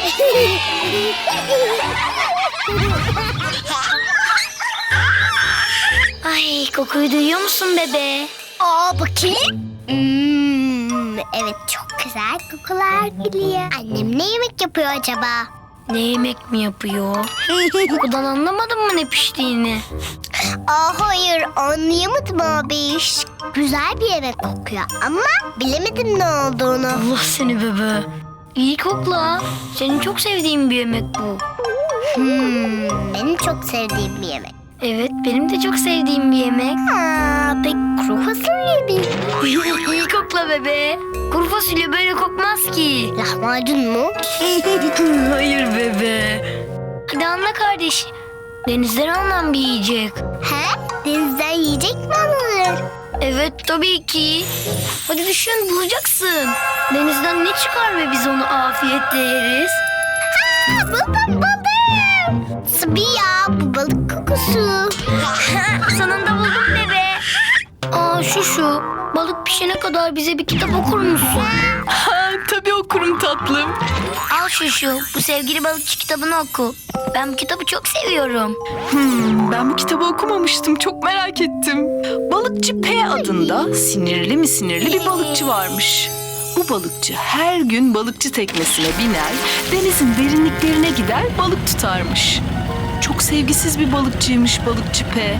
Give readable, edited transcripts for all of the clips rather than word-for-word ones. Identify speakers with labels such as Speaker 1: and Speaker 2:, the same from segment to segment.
Speaker 1: Ay, kokuyu duyuyor musun bebe?
Speaker 2: Aa, bakayım. Evet, çok güzel kokular geliyor. Annem ne yemek yapıyor acaba?
Speaker 1: Ne yemek mi yapıyor? Kokudan anlamadın mı ne piştiğini?
Speaker 2: Aa, hayır, anlayamadım abi. Güzel bir yemek kokuyor ama bilemedim ne olduğunu.
Speaker 1: Allah seni bebe. İyi kokla. Senin çok sevdiğin bir yemek bu.
Speaker 2: Benim çok sevdiğim bir yemek.
Speaker 1: Evet, benim de çok sevdiğim bir yemek.
Speaker 2: Pek kuru fasulye mi?
Speaker 1: İyi kokla bebe. Kuru fasulye böyle kokmaz ki.
Speaker 2: Lahmacun mu?
Speaker 1: Hayır bebe. Hadi anla kardeş. Denizden alınan bir yiyecek.
Speaker 2: He? Denizden yiyecek mi alınır?
Speaker 1: Evet tabii ki. Hadi düşün, bulacaksın. Denizden ne çıkar ve biz onu afiyetle yeriz?
Speaker 2: Buldum. Sıvı ya, bu balık kokusu.
Speaker 1: Sonunda buldum bebe. Aa şu. Balık pişene kadar bize bir kitap okur musun?
Speaker 3: Tabii okurum tatlım.
Speaker 1: Al şu. Bu sevgili balıkçı kitabını oku. Ben bu kitabı çok seviyorum.
Speaker 3: Ben bu kitabı okumamıştım. Çok merak ettim. Balıkçı P adında sinirli bir balıkçı varmış. Bu balıkçı her gün balıkçı teknesine biner, denizin derinliklerine gider balık tutarmış. Çok sevgisiz bir balıkçıymış balıkçı P.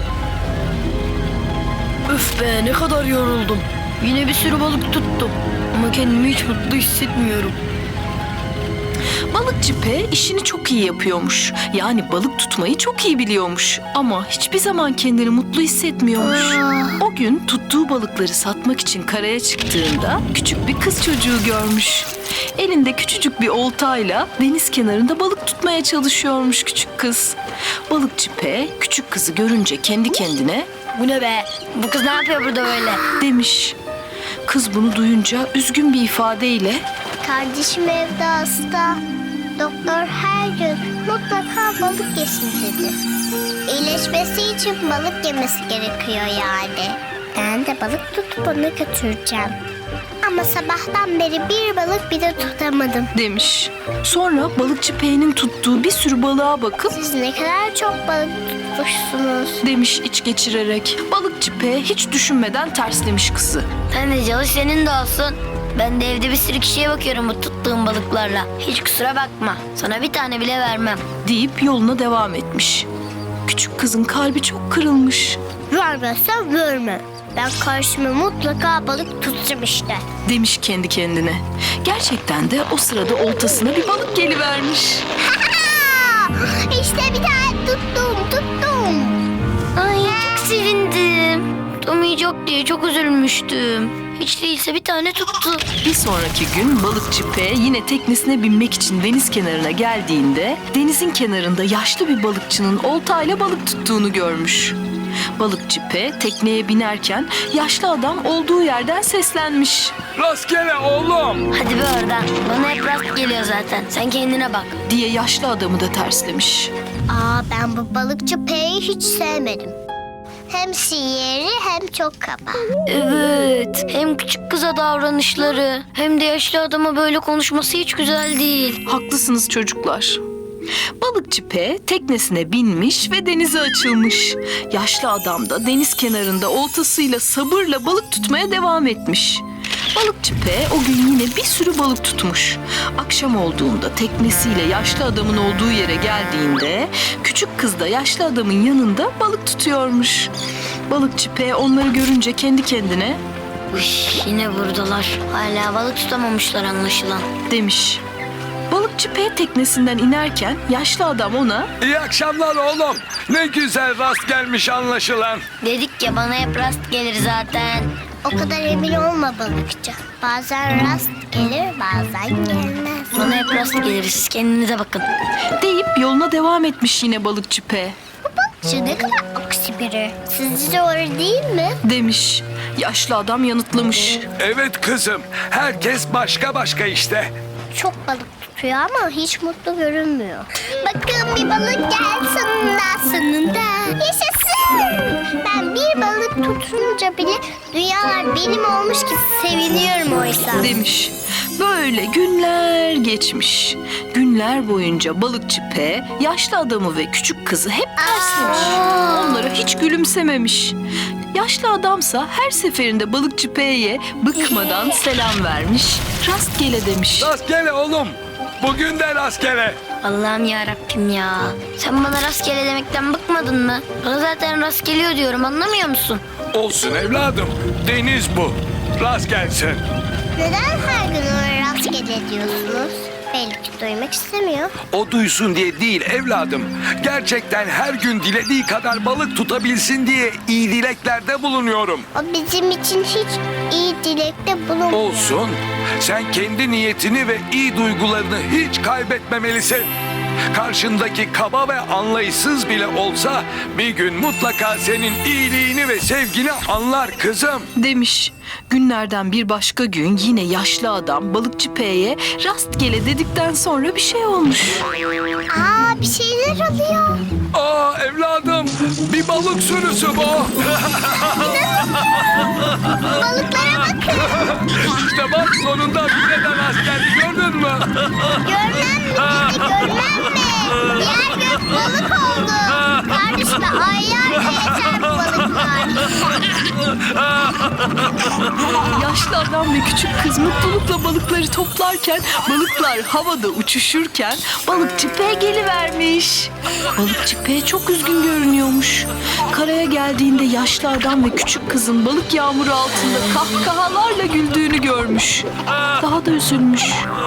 Speaker 1: Öf be, ne kadar yoruldum. Yine bir sürü balık tuttum. Ama kendimi hiç mutlu hissetmiyorum.
Speaker 3: Balıkçı P işini çok iyi yapıyormuş. Yani balık tutmayı çok iyi biliyormuş. Ama hiçbir zaman kendini mutlu hissetmiyormuş. O gün tuttuğu balıkları satmak için karaya çıktığında küçük bir kız çocuğu görmüş. Elinde küçücük bir oltayla deniz kenarında balık tutmaya çalışıyormuş küçük kız. Balıkçı P küçük kızı görünce kendi kendine
Speaker 1: Bu ne be? Bu kız ne yapıyor burada böyle?
Speaker 3: demiş. Kız bunu duyunca üzgün bir ifadeyle
Speaker 2: Kardeşim evde hasta. Doktor her gün mutlaka balık yesin dedi. İyileşmesi için balık yemesi gerekiyor yani. Ben de balık tutup onu götüreceğim. Ama sabahtan beri bir balık bile tutamadım.
Speaker 3: demiş. Sonra balıkçı P'nin tuttuğu bir sürü balığa bakıp
Speaker 2: Siz ne kadar çok balık tutmuşsunuz.
Speaker 3: demiş iç geçirerek. Balıkçı P hiç düşünmeden terslemiş kızı.
Speaker 1: Sen de çalış, senin de olsun. Ben de evde bir sürü kişiye bakıyorum bu tuttuğum balıklarla. Hiç kusura bakma. Sana bir tane bile vermem.
Speaker 3: Deyip yoluna devam etmiş. Küçük kızın kalbi çok kırılmış.
Speaker 2: Vermezsen verme. Ben karşıma mutlaka balık tutacağım işte.
Speaker 3: Demiş kendi kendine. Gerçekten de o sırada oltasına bir balık gelivermiş.
Speaker 2: İşte bir tane tuttum.
Speaker 1: Ay çok sevindim. Tutamayacak diye çok üzülmüştüm. Hiç değilse bir tane tuttu.
Speaker 3: Bir sonraki gün balıkçı P yine teknesine binmek için deniz kenarına geldiğinde denizin kenarında yaşlı bir balıkçının oltayla balık tuttuğunu görmüş. Balıkçı P tekneye binerken yaşlı adam olduğu yerden seslenmiş
Speaker 4: Rastgele oğlum.
Speaker 1: Hadi be oradan. Bana hep rast geliyor zaten. Sen kendine bak.
Speaker 3: diye yaşlı adamı da terslemiş.
Speaker 2: Ben bu balıkçı P'yi hiç sevmedim. Hem sihirli hem çok kaba.
Speaker 1: Evet. Hem küçük kıza davranışları hem de yaşlı adama böyle konuşması hiç güzel değil.
Speaker 3: Haklısınız çocuklar. Balıkçı P teknesine binmiş ve denize açılmış. Yaşlı adam da deniz kenarında oltasıyla sabırla balık tutmaya devam etmiş. Balıkçı P o gün yine bir sürü balık tutmuş. Akşam olduğunda teknesiyle yaşlı adamın olduğu yere geldiğinde küçük kız da yaşlı adamın yanında balık tutuyormuş. Balıkçı P onları görünce kendi kendine
Speaker 1: Yine buradalar. Hala balık tutamamışlar anlaşılan.
Speaker 3: demiş. Balıkçı P teknesinden inerken yaşlı adam ona
Speaker 4: İyi akşamlar oğlum. Ne güzel rast gelmiş anlaşılan.
Speaker 1: Dedik ya, bana hep rast gelir zaten.
Speaker 2: O kadar emin olma balıkçı. Bazen rast gelir, bazen gelmez.
Speaker 1: Bana hep rast gelir, siz kendinize bakın.
Speaker 3: deyip yoluna devam etmiş yine balıkçı P.
Speaker 2: Balıkçı ne kadar aksi biri. Sizce doğru değil mi?
Speaker 3: demiş. Yaşlı adam yanıtlamış.
Speaker 4: Evet kızım. Herkes başka işte.
Speaker 2: Çok balık tutuyor ama hiç mutlu görünmüyor. Bakın bir balık gelsin sonunda. Yaşasın. Ben bir balık tutunca bile dünyalar benim olmuş gibi seviniyorum oysa.
Speaker 3: Demiş. Böyle günler geçmiş. Günler boyunca balıkçı P yaşlı adamı ve küçük kızı hep terslemiş. Onlara hiç gülümsememiş. Yaşlı adamsa her seferinde balıkçı P'ye bıkmadan selam vermiş, rastgele demiş.
Speaker 4: Rastgele oğlum. Bugün de rastgele.
Speaker 1: Allah'ım yarabbim ya. Sen bana rastgele demekten bıkmadın mı? Bana zaten rast geliyor diyorum, anlamıyor musun?
Speaker 4: Olsun evladım. Deniz bu. Rast gelsin.
Speaker 2: Neden her gün ona rastgele diyorsunuz? Belki duymak istemiyor.
Speaker 4: O duysun diye değil evladım. Gerçekten her gün dilediği kadar balık tutabilsin diye iyi dileklerde bulunuyorum.
Speaker 2: O bizim için hiç iyi dilekte bulunmuyor.
Speaker 4: Olsun. Sen kendi niyetini ve iyi duygularını hiç kaybetmemelisin. Karşındaki kaba ve anlayışsız bile olsa bir gün mutlaka senin iyiliğini ve sevgini anlar kızım.
Speaker 3: Demiş. Günlerden bir başka gün yine yaşlı adam balıkçı P'ye rastgele dedikten sonra bir şey olmuş.
Speaker 2: Aa, bir şeyler oluyor.
Speaker 4: Aa evladım, bir balık sürüsü bu.
Speaker 2: Balıklara bakın.
Speaker 4: İşte bak sonunda bize de rast geldi, gördün mü?
Speaker 2: Görmem mi dedi, görmem mi? Diğer gök balık oldu. Kardeşime aylarca yeter bu balıklar.
Speaker 3: Yaşlı adam ve küçük kız mutlulukla balıkları toplarken, balıklar havada uçuşurken balıkçı P gelivermiş. Balıkçı P çok üzgün görünüyormuş. Karaya geldiğinde yaşlı adam ve küçük kızın balık yağmuru altında kahkahalarla güldüğünü görmüş. Daha da üzülmüş.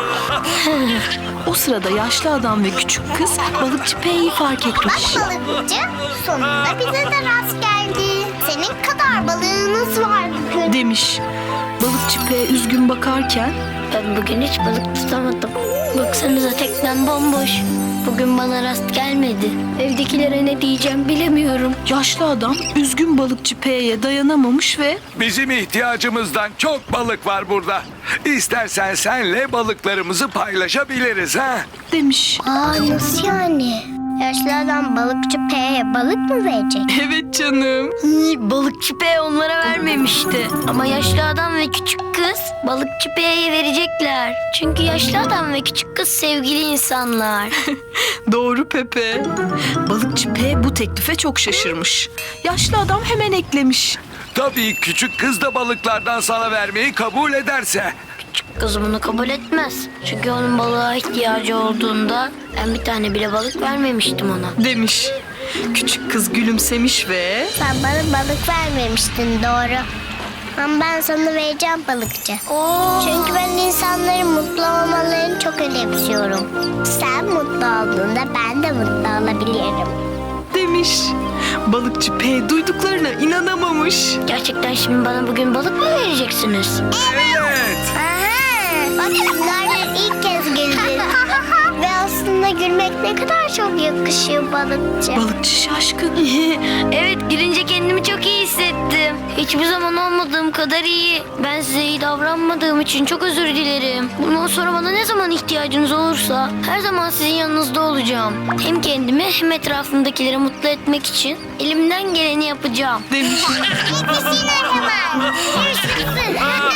Speaker 3: O sırada yaşlı adam ve küçük kız balıkçı P'yi fark etmiş.
Speaker 2: Bak balıkçı, sonunda bize de rast geldi. Senin kadar balığınız var bugün.
Speaker 3: Demiş. Balıkçı P üzgün bakarken
Speaker 1: Ben bugün hiç balık tutamadım. Baksanıza teknem bomboş. Bugün bana rast gelmedi. Evdekilere ne diyeceğim bilemiyorum.
Speaker 3: yaşlı adam üzgün balıkçı P'ye dayanamamış ve
Speaker 4: Bizim ihtiyacımızdan çok balık var burada. İstersen senle balıklarımızı paylaşabiliriz ha.
Speaker 3: demiş.
Speaker 2: Aa, nasıl yani? Yaşlı adam balıkçı P'ye balık mı verecek?
Speaker 3: Evet canım.
Speaker 1: Balıkçı P onlara vermemişti. Ama yaşlı adam ve küçük kız balıkçı P'ye verecekler. Çünkü yaşlı adam ve küçük kız sevgili insanlar.
Speaker 3: Doğru Pepe. Balıkçı P bu teklife çok şaşırmış. Yaşlı adam hemen eklemiş.
Speaker 4: Tabii küçük kız da balıklardan sana vermeyi kabul ederse.
Speaker 1: Küçük kız bunu kabul etmez. Çünkü onun balığa ihtiyacı olduğunda ben bir tane bile balık vermemiştim ona.
Speaker 3: Demiş. Küçük kız gülümsemiş ve
Speaker 2: Sen bana balık vermemiştin, doğru. Ama ben sana vereceğim balıkçı. Çünkü ben insanların mutlu olmalarını çok önemsiyorum. Sen mutlu olduğunda ben de mutlu olabilirim.
Speaker 3: demiş. Balıkçı P duyduklarına inanamamış.
Speaker 1: Gerçekten şimdi bana bugün balık mı vereceksiniz?
Speaker 4: Evet.
Speaker 2: Aha! Bak, bunlardan ilk kez güldün. Ve aslında gülmek ne kadar çok yakışıyor balıkçı.
Speaker 3: Balıkçı şaşkın.
Speaker 1: Evet, girince kendimi çok iyi hissettim. Hiçbir zaman olmadığım kadar iyi. Ben size iyi davranmadığım için çok özür dilerim. Bundan sonra bana ne zaman ihtiyacınız olursa her zaman sizin yanınızda olacağım. Hem kendimi hem etrafımdakileri mutlu etmek için elimden geleni yapacağım.
Speaker 3: Demiş.
Speaker 2: Yetişsinler hemen. Görüşürüz.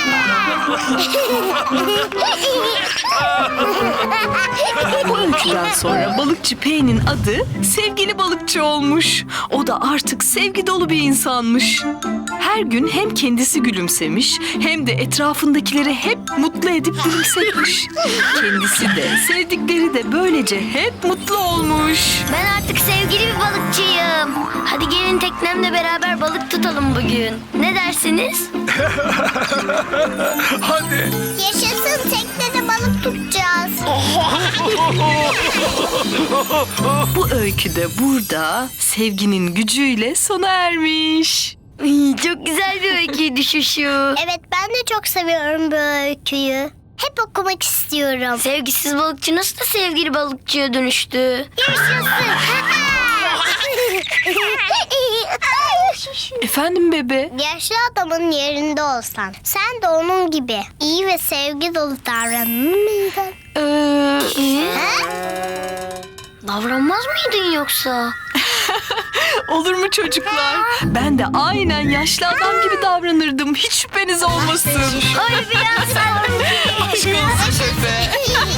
Speaker 3: Bu öyküden sonra balıkçı P'nin adı sevgili balıkçı olmuş. O da artık sevgi dolu bir insanmış. Her gün hem kendisi gülümsemiş hem de etrafındakileri hep mutlu edip gülümsetmiş. Kendisi de sevdikleri de böylece hep mutlu olmuş.
Speaker 1: Ben artık sevgili bir balıkçıyım. Hadi gelin teknemle beraber balık tutalım bugün. Ne dersiniz?
Speaker 4: Hadi.
Speaker 2: Yaşasın, teknede balık tutacağız.
Speaker 3: Bu öykü de burada sevginin gücüyle sona ermiş.
Speaker 1: Çok güzel bir öyküydü Şuşu.
Speaker 2: Evet, ben de çok seviyorum bu öyküyü. Hep okumak istiyorum.
Speaker 1: Sevgisiz balıkçı nasıl da sevgili balıkçıya dönüştü?
Speaker 2: Yaşasın.
Speaker 3: Efendim bebe?
Speaker 2: Yaşlı adamın yerinde olsan sen de onun gibi iyi ve sevgi dolu davranır mıydın?
Speaker 1: Davranmaz mıydın yoksa?
Speaker 3: Olur mu çocuklar? Ben de aynen yaşlı adam gibi davranırdım. Hiç şüpheniz olmasın.
Speaker 1: Ay biraz sanki.
Speaker 3: Aşk olsun Pepe.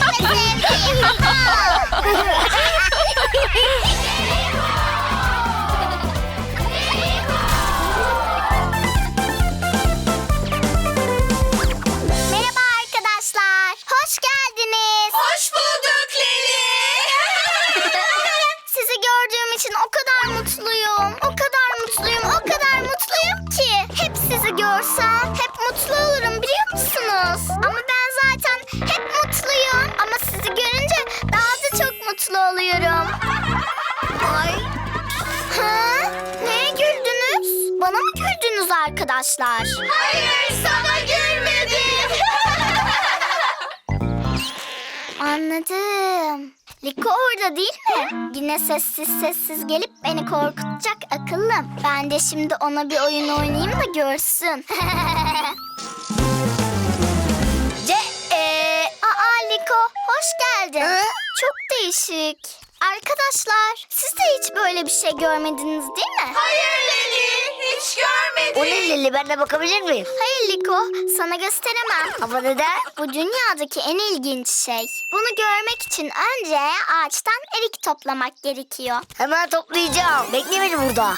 Speaker 2: Merhaba arkadaşlar. Hoş geldiniz.
Speaker 3: Hoş bulduk Leli.
Speaker 2: Sizi gördüğüm için o kadar mutluyum. O kadar mutluyum. O kadar mutluyum ki. Hep sizi görsem hep mutlu olurum biliyor musunuz? Ama ben zaten hep mutluyum. Ama sizi görünce daha da çok mutlu oluyorum. Ay. Ha? Neye güldünüz? Bana mı güldünüz arkadaşlar? Hayır, sana gülmedim. Anladım. Liko orada değil mi? Yine sessiz sessiz gelip beni korkutacak akıllım. Ben de şimdi ona bir oyun oynayayım da görsün. Aa Liko, hoş geldin. Çok değişik. Arkadaşlar, siz de hiç böyle bir şey görmediniz değil mi?
Speaker 3: Hayır Leli, hiç görmedim.
Speaker 5: O ne Leli, ben de bakabilir miyim?
Speaker 2: Hayır Liko, sana gösteremem.
Speaker 5: Ama neden?
Speaker 2: Bu dünyadaki en ilginç şey. Bunu görmek için önce ağaçtan erik toplamak gerekiyor.
Speaker 5: Hemen toplayacağım. Bekle beni burada.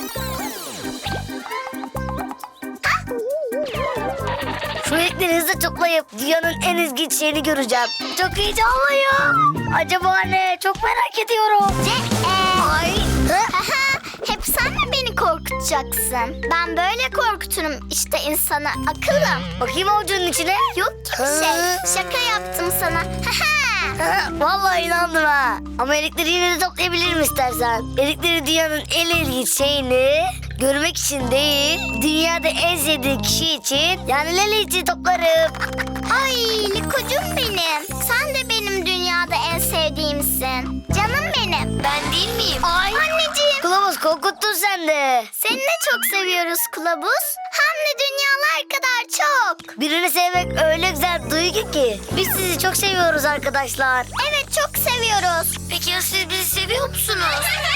Speaker 5: Şu renkleri hızlı toplayıp dünyanın en ilginç şeyini göreceğim. Çok heyecanlıyım. Acaba ne? Çok merak ediyorum.
Speaker 2: Ay. Hep sen mi beni korkutacaksın? Ben böyle korkuturum işte insanı akıllım.
Speaker 5: Bakayım avucunun içine.
Speaker 2: Yok ki bir şey. Şaka yaptım sana.
Speaker 5: Vallahi inandım ha. Ama erikleri yine de toplayabilirim istersen. Erikleri dünyanın en ilginç şeyini görmek için değil, dünyada en sevdiğin kişi için, yani Leli için toplarım.
Speaker 2: Ay Liko'cum benim. Sen de benim dünyada en sevdiğimsin. Canım benim.
Speaker 1: Ben değil miyim?
Speaker 2: Ay. Anneciğim.
Speaker 5: Kılavuz korkuttun sen de.
Speaker 2: Seni de çok seviyoruz kılavuz. Hem de dünyalar kadar çok.
Speaker 5: Birini sevmek öyle güzel bir duygu ki. Biz sizi çok seviyoruz arkadaşlar.
Speaker 2: Evet çok seviyoruz.
Speaker 1: Peki ya siz bizi seviyor musunuz?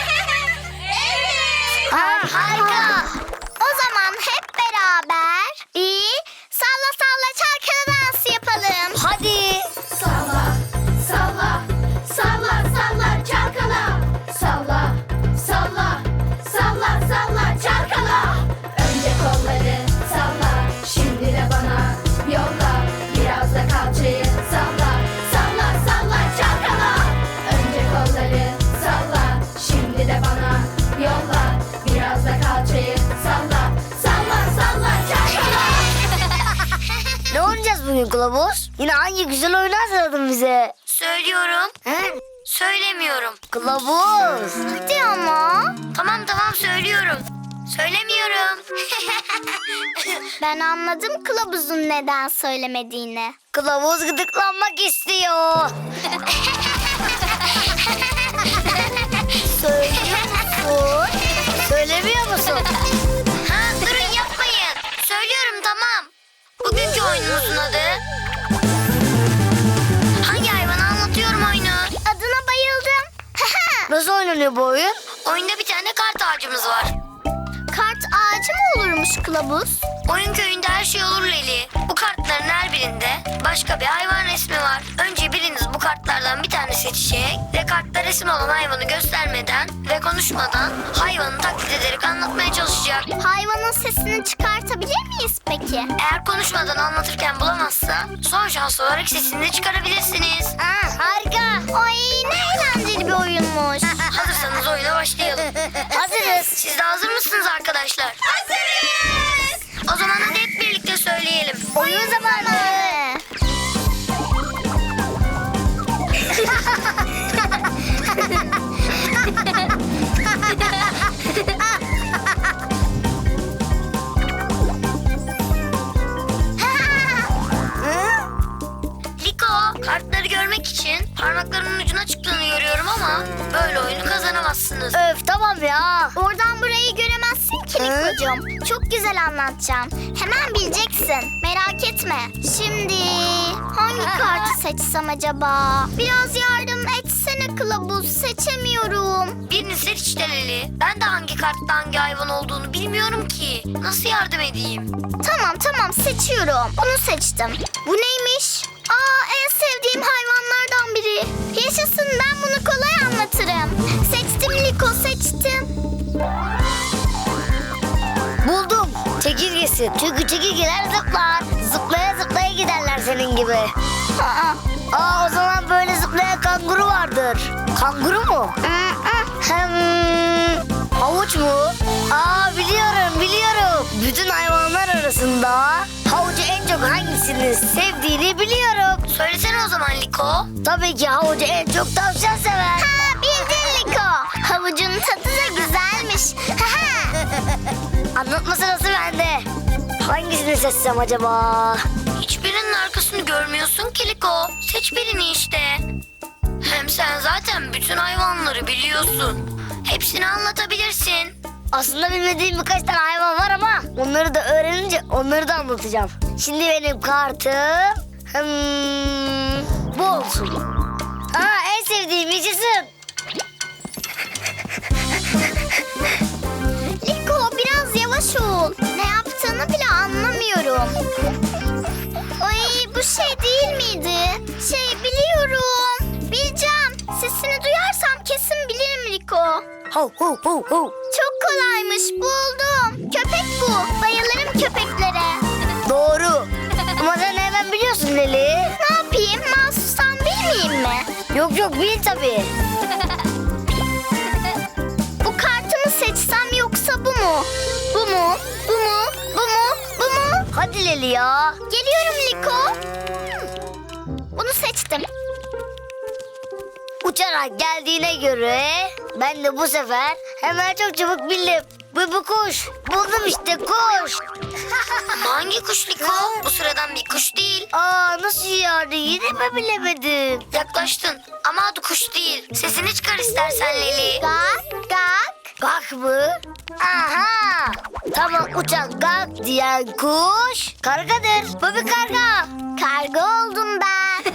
Speaker 2: Evet.
Speaker 5: Harika.
Speaker 2: O zaman hep beraber bir salla salla çalkala dansı yapalım.
Speaker 5: Hadi.
Speaker 6: Salla, salla, salla, salla, çalkala. Salla, salla, salla, salla, çalkala. Önce kolları salla, şimdi de bana yolla. Biraz da kalçayı salla, salla, salla, çalkala. Önce kolları salla, şimdi de bana yolla. Biraz da kalçayı salla, salla, salla, çalkala.
Speaker 5: Ne oynayacağız bugün kılavuz? Yine hangi güzel oyunu hazırladın bize?
Speaker 1: Söylüyorum.
Speaker 5: He?
Speaker 1: Söylemiyorum.
Speaker 5: Kılavuz.
Speaker 2: Hadi ama.
Speaker 1: Tamam söylüyorum. Söylemiyorum.
Speaker 2: Ben anladım kılavuzun neden söylemediğini.
Speaker 5: Kılavuz gıdıklanmak istiyor.
Speaker 2: Söylüyor musun?
Speaker 5: Söylemiyor musun?
Speaker 1: Ha, durun yapmayın. Söylüyorum tamam. Bugünkü oyunumuzun adı. Hangi hayvanı anlatıyorum oyunu?
Speaker 2: Adına bayıldım.
Speaker 5: Nasıl oynanıyor bu oyun?
Speaker 1: Oyunda bir tane kart ağacımız var.
Speaker 2: Kart ağacı mı olurmuş kılavuz?
Speaker 1: Oyun köyünde her şey olur Leli. Bu kartların her birinde başka bir hayvan resmi var. Önce biriniz bu kartlardan bir tane seçecek ve kartta resim olan hayvanı göstermeden ve konuşmadan hayvanı taklit ederek anlatmaya çalışacak.
Speaker 2: Hayvanın sesini çıkartabilir miyiz peki?
Speaker 1: Eğer konuşmadan anlatırken bulamazsa son şans olarak sesini de çıkarabilirsiniz.
Speaker 2: Harika. Ay ne eğlenceli bir oyunmuş.
Speaker 1: Hazırsanız oyuna başlayalım.
Speaker 5: Hazırız.
Speaker 1: Siz de hazır mısınız arkadaşlar?
Speaker 2: Hazırız.
Speaker 1: O zaman hadi hep birlikte söyleyelim.
Speaker 2: Oyun zamanı.
Speaker 1: Liko, kartları görmek için parmaklarımın ucuna çıktığını görüyorum ama böyle oyunu kazanamazsınız.
Speaker 5: Öf tamam ya.
Speaker 2: Oradan burayı göremezsin ki Liko'cum. Çok güzel anlatacağım. Hemen bileceksin. Merak etme. Şimdi hangi kartı seçsem acaba? Biraz yardım etsene kılavuz. seçemiyorum.
Speaker 1: Birini seç işte Leli. Ben de hangi kartta hangi hayvan olduğunu bilmiyorum ki. Nasıl yardım edeyim?
Speaker 2: Tamam seçiyorum. Bunu seçtim. Bu neymiş? Aa, en sevdiğim hayvanlardan biri. Yaşasın, ben bunu kolay anlatırım. Seçtim Liko, seçtim.
Speaker 5: Buldum. Çekirgesi. Çünkü çekirgeler zıplar. Zıplaya zıplaya giderler senin gibi.
Speaker 2: Aa,
Speaker 5: O zaman böyle zıplayan kanguru vardır. Kanguru mu? Hem havuç mu? Biliyorum. Bütün hayvanlar arasında havucu en çok hangisini sevdiğini biliyorum.
Speaker 1: Söylesene o zaman Liko.
Speaker 5: Tabii ki havucu en çok tavşan sever.
Speaker 2: bildin Liko. Havucun tadı da güzelmiş.
Speaker 5: Anlatma sırası bende. Hangisini seçsem acaba?
Speaker 1: Hiçbirinin arkasını görmüyorsun ki Liko. Seç birini işte. Hem sen zaten bütün hayvanları biliyorsun. Hepsini anlatabilirsin.
Speaker 5: Aslında bilmediğim birkaç tane hayvan var ama onları da öğrenince onları da anlatacağım. Şimdi benim kartım bu olsun. En sevdiğim yaşasın.
Speaker 2: Liko, biraz yavaş ol. Ne yaptığını bile anlamıyorum. Ay, bu şey değil miydi? Biliyorum. Bileceğim. Sesini duyarsam kesin bilirim Liko.
Speaker 5: Ho ho ho ho.
Speaker 2: Çok kolaymış, buldum. Köpek bu. Bayılırım köpeklere.
Speaker 5: Doğru. Ama sen nereden biliyorsun Leli?
Speaker 2: Ne yapayım? Mahsustan bilmeyeyim mi?
Speaker 5: Yok bil tabii.
Speaker 2: Bu kartı mı seçsem yoksa bu mu? Bu mu? Bu mu? Bu mu? Bu mu?
Speaker 5: Hadi Leli ya.
Speaker 2: Geliyorum Liko. Bunu seçtim.
Speaker 5: Uçarak geldiğine göre ben de bu sefer hemen çok çabuk bildim. Bu kuş. Buldum işte, kuş.
Speaker 1: Ama hangi kuş Liko? Bu sıradan bir kuş değil.
Speaker 5: Nasıl yani? Yine mi bilemedim?
Speaker 1: Yaklaştın ama adı kuş değil. Sesini çıkar istersen Leli.
Speaker 2: Gak, gak.
Speaker 5: Gak mı? Aha! Tamam, uçan gak diyen kuş kargadır. Bu bir karga.
Speaker 2: Karga oldum ben.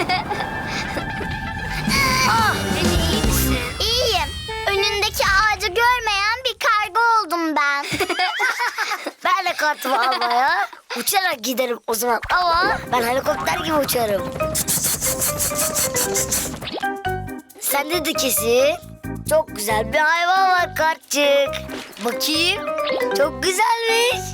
Speaker 1: Leli iyi misin?
Speaker 2: İyiyim. Önündeki ağacı görmeyen bir karga oldum ben.
Speaker 5: Ben de kartımı almaya uçarak giderim o zaman. Ama ben helikopter gibi uçarım. Sende de kesin çok güzel bir hayvan var kartçık. Bakayım. Çok güzelmiş.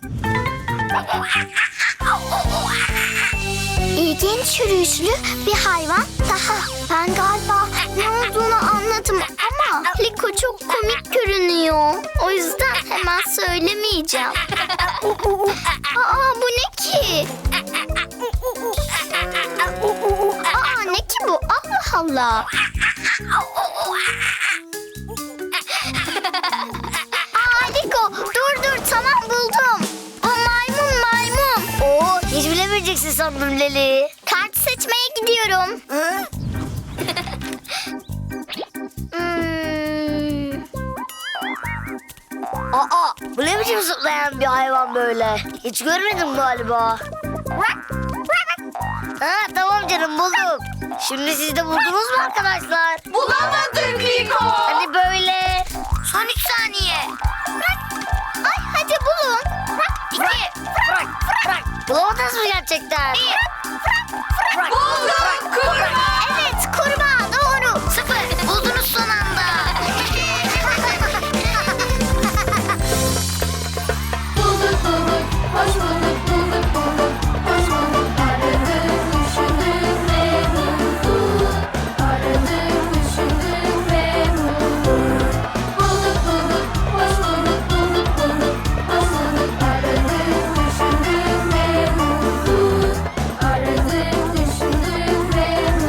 Speaker 2: İlginç yürüyüşlü bir hayvan daha. Ben galiba ne olduğunu anladım ama Liko çok komik görünüyor. O yüzden hemen söylemeyeceğim. Aa, bu ne ki? Aa, ne ki bu? Allah Allah. Aa, Liko, dur tamam, buldum. Bu maymun.
Speaker 5: Hiç bilemeyeceksin sandım Leli.
Speaker 2: Kart seçmeye gidiyorum.
Speaker 5: Hı? Bu ne biçim zıplayan bir hayvan böyle? Hiç görmedim galiba. Tamam canım, buldum. Şimdi siz de buldunuz mu arkadaşlar?
Speaker 6: Bulamadık Liko.
Speaker 5: Hani böyle.
Speaker 1: Son 3 saniye.
Speaker 2: Ay, hadi bulun.
Speaker 1: 2.
Speaker 5: Bulamadınız mı gerçekten?
Speaker 6: Bulduk kurbağa.
Speaker 2: Evet, kurbağa doğru.
Speaker 1: 0. Buldunuz son anda.
Speaker 6: Bulduk, hoş bulduk, hoş bulduk. Aradık, düşündük ve bulduk. Aradık, düşündük ve bulduk. Bulduk, hoş bulduk, hoş bulduk. Aradık, düşündük ve bulduk. Aradık, düşündük ve bulduk.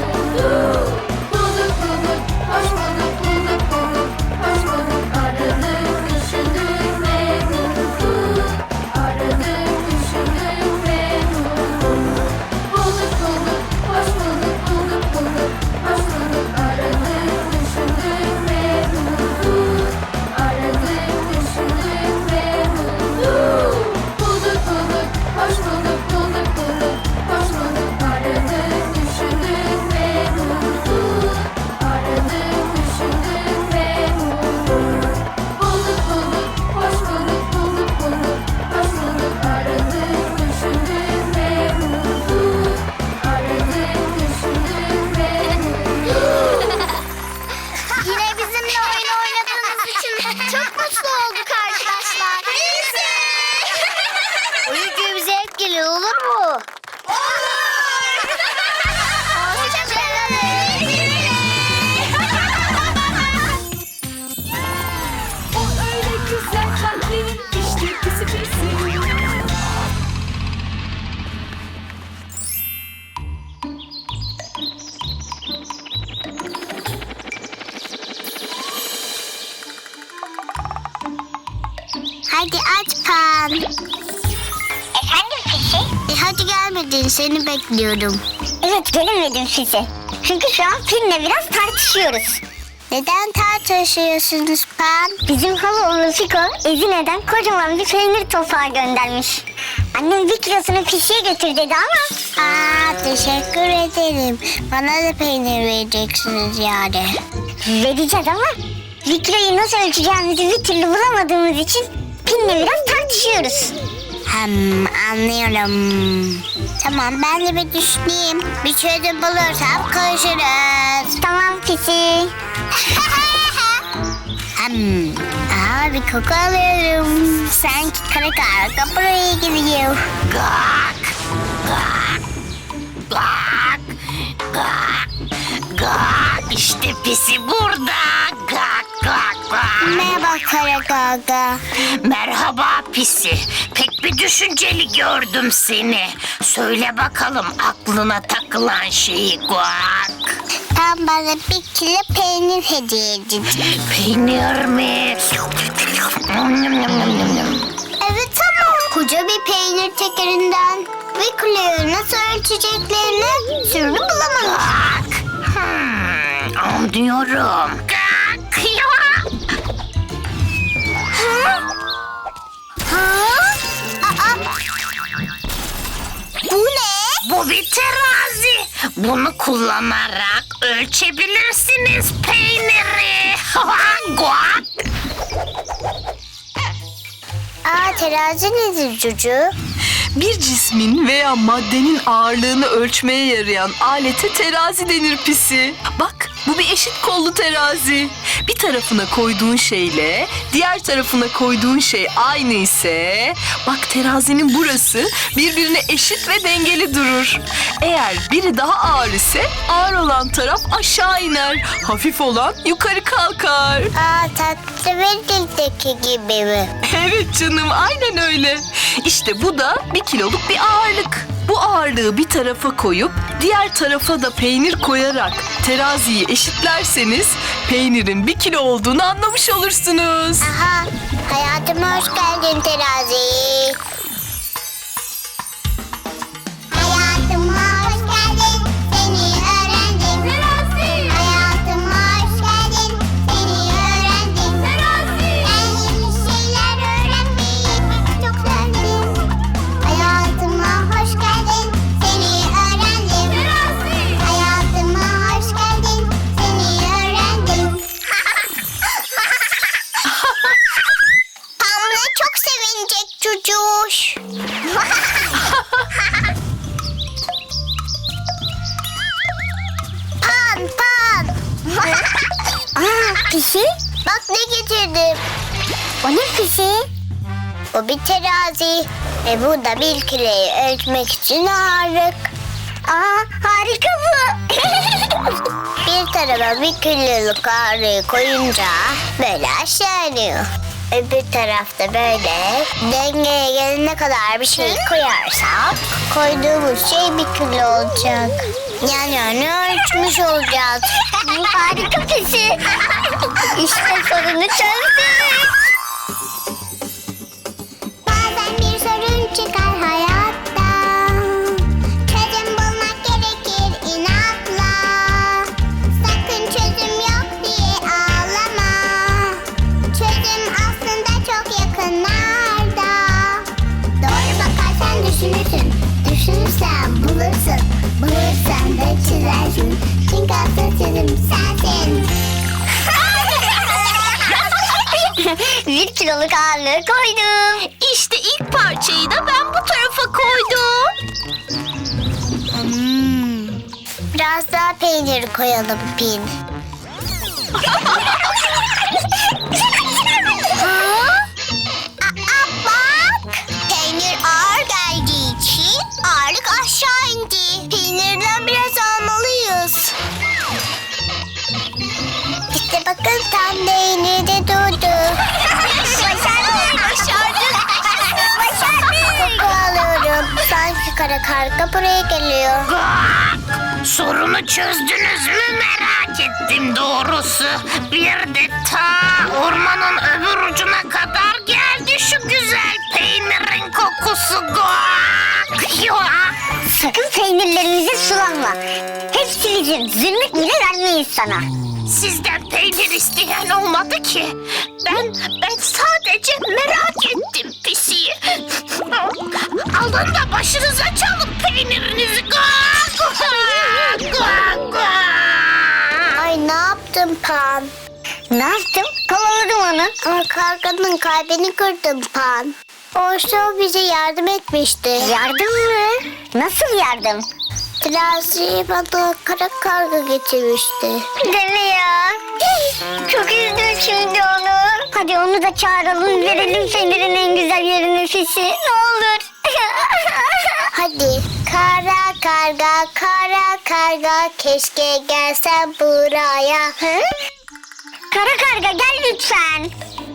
Speaker 2: Hadi aç Pan. Efendim Fisi? Hadi gelmedin, seni bekliyorum. Evet, gelemedim Fisi. Çünkü şu an Pin'le biraz tartışıyoruz. Neden tartışıyorsunuz Pan? Bizim halaoğlu Fiko, Ezine'den kocaman bir peynir topağı göndermiş. Annem bir kilosunu Fisi'ye götür dedi ama... teşekkür ederim. Bana da peynir vereceksiniz yani. Vereceğiz ama bir kiloyu nasıl ölçeceğimizi bir türlü bulamadığımız için Pin'le biraz tartışıyoruz. Anlıyorum. Tamam, ben de bir düşüneyim. Bir çözüm bulursam konuşuruz. Tamam Pisi. Bir koku alıyorum. Sanki kara karga buraya gidiyor.
Speaker 1: Gak, gak, gak, gak, gak. İşte Pisi burada. Gak, gak, gak.
Speaker 2: Merhaba kara karga.
Speaker 1: Merhaba Pisi. Pek bir düşünceli gördüm seni. Söyle bakalım aklına takılan şeyi Guak.
Speaker 2: Tam bana bir kilo peynir hediye edin.
Speaker 1: Peynir mi?
Speaker 2: Evet ama koca bir peynir tekerinden bir kiloyu nasıl ölçeceklerini sürü bulamamış.
Speaker 1: Anlıyorum.
Speaker 2: Bu ne?
Speaker 1: Bu bir terazi. Bunu kullanarak ölçebilirsiniz peyniri. Guak.
Speaker 2: Terazi nedir Cucu?
Speaker 3: Bir cismin veya maddenin ağırlığını ölçmeye yarayan alete terazi denir Pisi. Bak, bu bir eşit kollu terazi. Bir tarafına koyduğun şeyle diğer tarafına koyduğun şey aynı ise bak terazinin burası birbirine eşit ve dengeli durur. Eğer biri daha ağır ise ağır olan taraf aşağı iner. Hafif olan yukarı kalkar.
Speaker 2: Tatlı ve dildeki gibi mi?
Speaker 3: Evet canım, aynen öyle. İşte bu da 1 kiloluk bir ağırlık. Bu ağırlığı bir tarafa koyup diğer tarafa da peynir koyarak teraziyi eşitlerseniz peynirin 1 kilo olduğunu anlamış olursunuz.
Speaker 2: Aha, hayatıma hoş geldin terazi. Hayatıma hoş geldin, seni öğrendim.
Speaker 6: Terazi.
Speaker 2: Hayatıma hoş geldin, seni öğrendim.
Speaker 6: Terazi.
Speaker 2: Ben yeni şeyler öğrenmeyi çok sevdim. Hayatıma hoş geldin, seni öğrendim.
Speaker 6: Terazi.
Speaker 2: Hayatıma hoş geldin, seni öğrendim. Pamla çok sevinecek çocuğuş. Pan. Pisi? Bak ne getirdim. O ne Pisi? O bir terazi. Ve bu da 1 kiloyu ölçmek için ağırlık. Harika bu. Bir tarafa 1 kiloluk ağırlığı koyunca böyle aşağı iniyor. Öbür tarafta böyle dengeye gelene kadar bir şey koyarsak koyduğumuz şey 1 kilo olacak. Yani ölçmüş olacağız. Harika Pisi. İşte sorunu çözdük. Bazen bir sorun çıkar hayatta. Çözüm bulmak gerekir inatla. Sakın çözüm yok diye ağlama. Çözüm aslında çok yakınlarda. Doğru bakarsan düşünürsün. Düşünürsen bulursun. Bulursan da çizersin. Çünkü asıl çözüm sensin. 1 kiloluk ağırlığı koydum.
Speaker 1: İşte ilk parçayı da ben bu tarafa koydum.
Speaker 2: Biraz daha peynir koyalım Pin. Bak! Peynir ağır geldiği için ağırlık aşağı indi. Peynirden biraz almalıyız. İşte bakın tam peynir de durdu. Başardık! Koku alıyorum. Sanki kara karga buraya geliyor.
Speaker 1: Sorunu çözdünüz mü merak ettim doğrusu. Bir de ta ormanın öbür ucuna kadar geldi şu
Speaker 5: peynirin kokusu. Sakın peynirlerimize sulanma. Hepsi bizim, zümrüt bile vermeyiz sana.
Speaker 7: Sizden peynir isteyen olmadı ki. Ben sadece merak ettim pisiyi. Alın da başınıza çalın peynirinizi.
Speaker 2: Ay ne yaptın Pan?
Speaker 5: Ne yaptım? Kovaladım onu.
Speaker 2: Ama karganın kalbini kırdın Pan. Oysa o bize yardım etmişti.
Speaker 5: Yardım mı? Nasıl yardım?
Speaker 2: Teraziye bana kara karga getirmişti.
Speaker 5: Deme ya. Çok üzdüm şimdi onu. Hadi onu da çağıralım, verelim fenirin en güzel yerini Fisi. Ne olur.
Speaker 2: Hadi kara karga keşke gelsen buraya.
Speaker 5: Hı? Kara karga gel lütfen.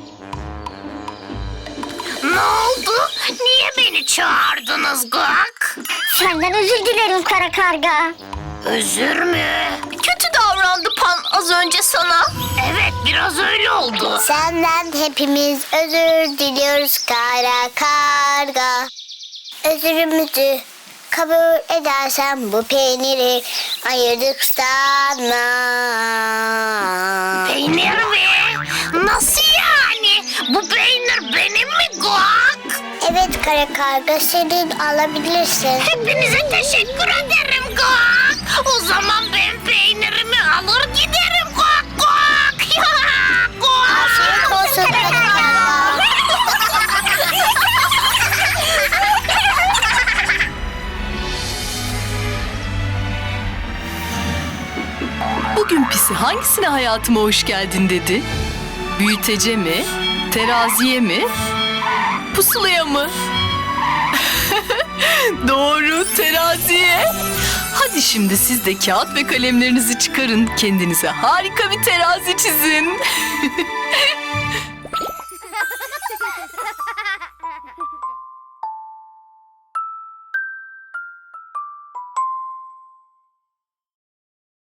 Speaker 7: Ne oldu? Niye beni çağırdınız Gak?
Speaker 5: Senden özür dilerim kara karga.
Speaker 7: Özür mü? Kötü davrandı Pan az önce sana. Evet biraz öyle oldu.
Speaker 2: Senden hepimiz özür diliyoruz kara karga. Özürümüzü kabul edersen bu peyniri ayırdık sana.
Speaker 7: Peynir mi? Nasıl yani? Bu peynir benim mi Gak?
Speaker 2: Evet kara karga senin alabilirsin.
Speaker 7: Hepinize teşekkür ederim Gak. O zaman ben peynirimi alır giderim Gak Gak.
Speaker 2: Afiyet olsun kara karga.
Speaker 3: Bugün Pisi hangisine hayatıma hoş geldin dedi? Büyütece mi? Teraziye mi? Pusulaya mı? Doğru, teraziye. Hadi şimdi siz de kağıt ve kalemlerinizi çıkarın. Kendinize harika bir terazi çizin.